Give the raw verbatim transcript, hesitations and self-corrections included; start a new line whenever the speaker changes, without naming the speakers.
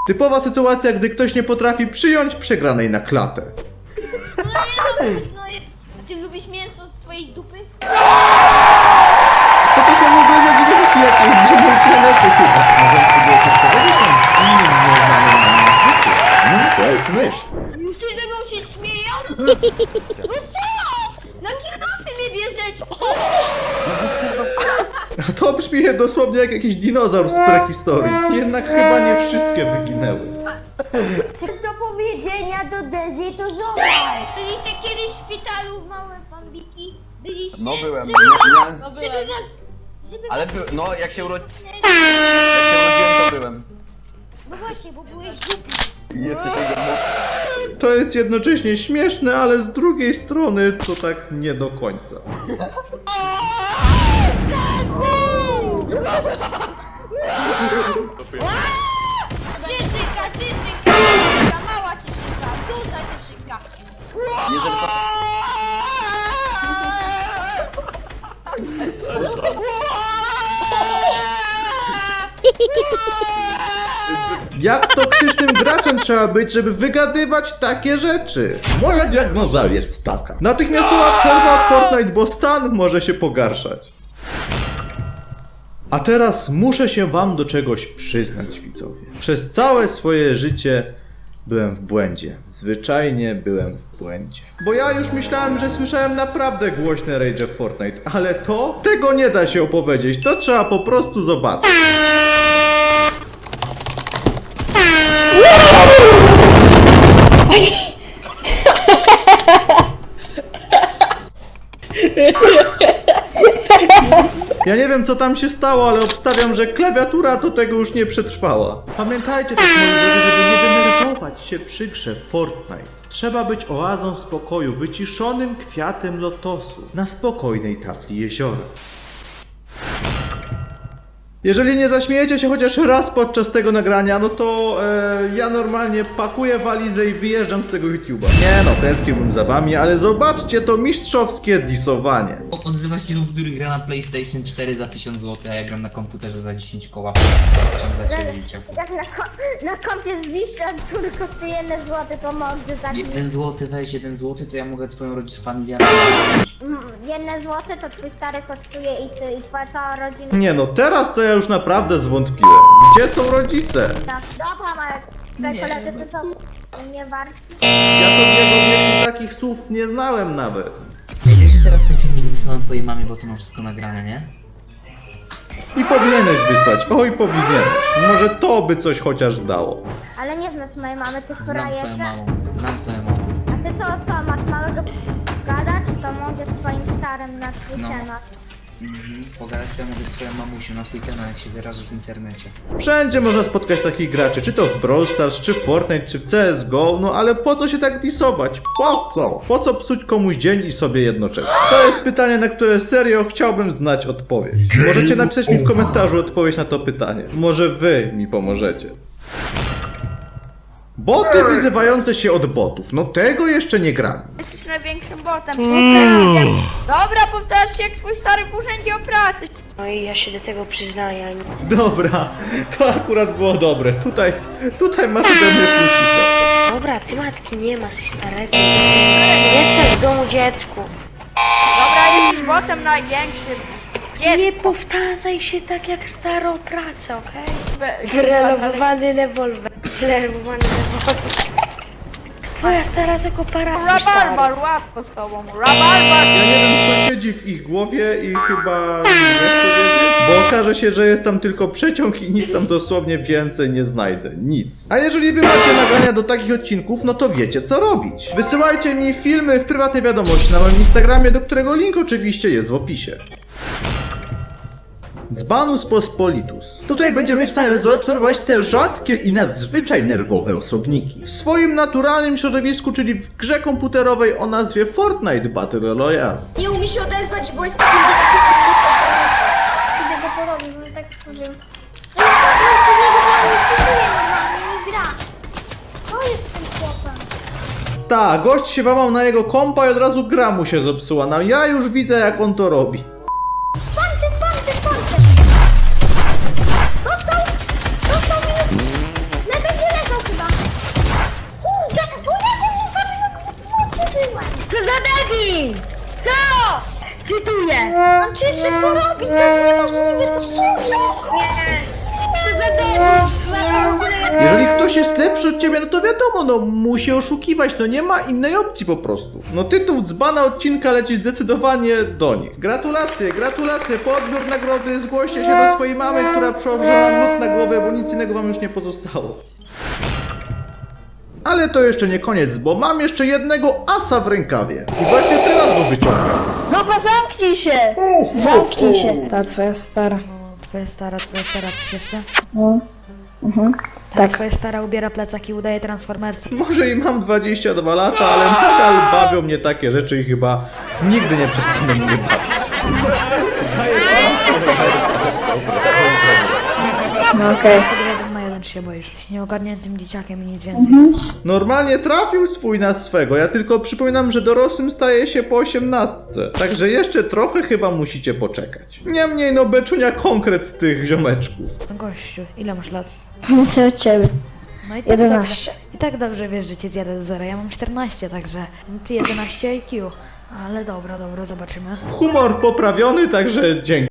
Typowa sytuacja, gdy ktoś nie potrafi przyjąć przegranej na klatę.
No nie, no, no, a ty lubisz mięso z twojej dupy?
Co to są w ogóle za dźwięki jakieś z innej planety chyba? Może próbuję coś powiedzieć tam innym nieznanym nam języku? No to jest myśl.
Już ty ze mną się śmieją? No co? Na kierowcy mnie bierzecie!
A to brzmi dosłownie jak jakiś dinozaur z prehistorii. Jednak chyba nie wszystkie wyginęły.
Coś do powiedzenia do Dezi to żona.
Byliście kiedyś w szpitalu, małe bambiki? Byliście?
No byłem,
Żeby,
nie, nie,
no, żeby was... Żeby
ale
was...
by, no jak się, urodzi... jak się urodziłem, to byłem.
No właśnie, bo byłeś głupi.
I jeszcze tego mógł.
To jest jednocześnie śmieszne, ale z drugiej strony to tak nie do końca.
Cieszynka, cieszynka, mała cieszynka, duża cieszynka.
Jeżeli to...
Jak toksycznym graczem trzeba być, żeby wygadywać takie rzeczy? Moja diagnoza jest taka. Natychmiastowa przerwa od Fortnite, bo stan może się pogarszać. A teraz muszę się wam do czegoś przyznać, widzowie. Przez całe swoje życie byłem w błędzie. Zwyczajnie byłem w błędzie. Bo ja już myślałem, że słyszałem naprawdę głośne rage w Fortnite, ale to? Tego nie da się opowiedzieć, to trzeba po prostu zobaczyć. Ja nie wiem co tam się stało, ale obstawiam, że klawiatura do tego już nie przetrwała. Pamiętajcie też, moi drodzy, żeby nie denerwować się przy grze Fortnite. Trzeba być oazą spokoju, wyciszonym kwiatem lotosu na spokojnej tafli jeziora. Jeżeli nie zaśmiejecie się chociaż raz podczas tego nagrania, no to e, ja normalnie pakuję walizę i wyjeżdżam z tego YouTube'a. Nie no, tęskniłbym za wami, ale zobaczcie to mistrzowskie disowanie.
Odzywa się lub który gra na PlayStation cztery za tysiąc złotych, a ja gram na komputerze za dziesięć koła. Ciągle cię liczę.
Jak na, ko na kompie z Wisza, który kosztuje jeden złoty, to mogę za
jeden złoty, weź jeden złoty, to ja mogę twoją rodzicę familię.
jeden złoty, to twój stary kosztuje i ty, i twoja cała rodzina.
Nie no, teraz to ja już naprawdę zwątpiłem. Gdzie są rodzice?
Tak, dobra, Marek, twoje
Nie,
koledzy
no
to są nie warci.
Ja to w jego wieku takich słów nie znałem nawet.
Ej, wiesz, że teraz ten filmik wysyłam twojej mamie, bo to ma wszystko nagrane, nie?
I powinieneś wysłać, oj powinieneś. Może to by coś chociaż dało.
Ale nie znasz mojej mamy, ty
Znam twoją
frajerze.
mamą, znam twoją mamą.
A ty co, co, masz małego gadać? To mogę z twoim starym na twój
No.
temat.
Mhm. Pogadać to ja mówię z swoją mamusią na twój temat, jak się wyrażasz w internecie.
Wszędzie można spotkać takich graczy, czy to w Brawl Stars, czy w Fortnite, czy w C S G O, no ale po co się tak disować? Po co? Po co psuć komuś dzień i sobie jednocześnie? To jest pytanie, na które serio chciałbym znać odpowiedź. Możecie napisać mi w komentarzu odpowiedź na to pytanie. Może wy mi pomożecie. Boty wyzywające się od botów, no tego jeszcze nie grałem.
Jesteś największym botem, powtarzam. Dobra, powtarz się jak twój stary w urzędzie o pracy.
No i ja się do tego przyznaję.
Dobra, to akurat było dobre. Tutaj, tutaj masz ode mnie plusika.
Dobra, ty matki nie masz i starego. Jesteś, jestem w domu dziecku.
Dobra, jesteś botem największym. Gdzie?
Nie powtarzaj się tak jak starą pracę, okej?
Be-
Wyrelowowany rewolwer. Wyrelowowany rewolwer. Twoja stara tego para...
Rabarbar, łatwo z tobą. Rabarbar!
Ja nie wiem co siedzi w ich głowie i chyba nie chcę wiedzieć, bo okaże się, że jest tam tylko przeciąg i nic tam dosłownie więcej nie znajdę. Nic. A jeżeli wy macie nagrania do takich odcinków, no to wiecie co robić. Wysyłajcie mi filmy w prywatnej wiadomości na moim Instagramie, do którego link oczywiście jest w opisie. Dzbanus Pospolitus. Tutaj będziemy w stanie zaobserwować te rzadkie i nadzwyczaj nerwowe osobniki. W swoim naturalnym środowisku, czyli w grze komputerowej o nazwie Fortnite Battle Royale.
Nie umie się odezwać, bo jest taki... Idę go porobić, bo tak powiem. No nie gra. To jest ten chłopak.
Tak, gość się wamał na jego kompa i od razu gra mu się zepsuła. No ja już widzę jak on to robi.
Patrzcie, patrzcie, patrzcie! Dostał! Dostał minus! Lepiej nie leci! Nie! On ci jeszcze porobi, to jest niemożliwe, to nie.
Jeżeli ktoś jest lepszy od ciebie, no to wiadomo, no musi oszukiwać, no nie ma innej opcji po prostu. No tytuł dzbana odcinka leci zdecydowanie do nich. Gratulacje, gratulacje, po odbiór nagrody zgłoście się do swojej mamy, która przełoży nam lód na głowę, bo nic innego wam już nie pozostało. Ale to jeszcze nie koniec, bo mam jeszcze jednego asa w rękawie. I właśnie teraz go wyciągam.
Dobra, zamknij się! Zamknij się. Ta twoja stara.
Twoja stara, twoja stara, coś jeszcze?
No. Mhm.
Tak. Twoja stara ubiera plecak i udaje Transformersa.
Może i mam dwadzieścia dwa lata, ale nadal bawią mnie takie rzeczy i chyba nigdy nie przestanę mnie bawić. Daję Transformersa.
No okej.
Wtedy jeden na jeden się boisz. Jesteś nieogarniętym dzieciakiem i nic więcej.
Normalnie trafił swój na swego, ja tylko przypominam, że dorosłym staje się po osiemnastce. Także jeszcze trochę chyba musicie poczekać. Niemniej no beczunia konkret z tych ziomeczków.
No gościu, ile masz lat?
Co od ciebie?
No i tak
jedenaście.
dobrze, i tak dobrze wiesz, że cię zjadę do zera. Ja mam czternaście, także ty jedenaście I Q. Ale dobra, dobra, zobaczymy.
Humor poprawiony, także dzięki.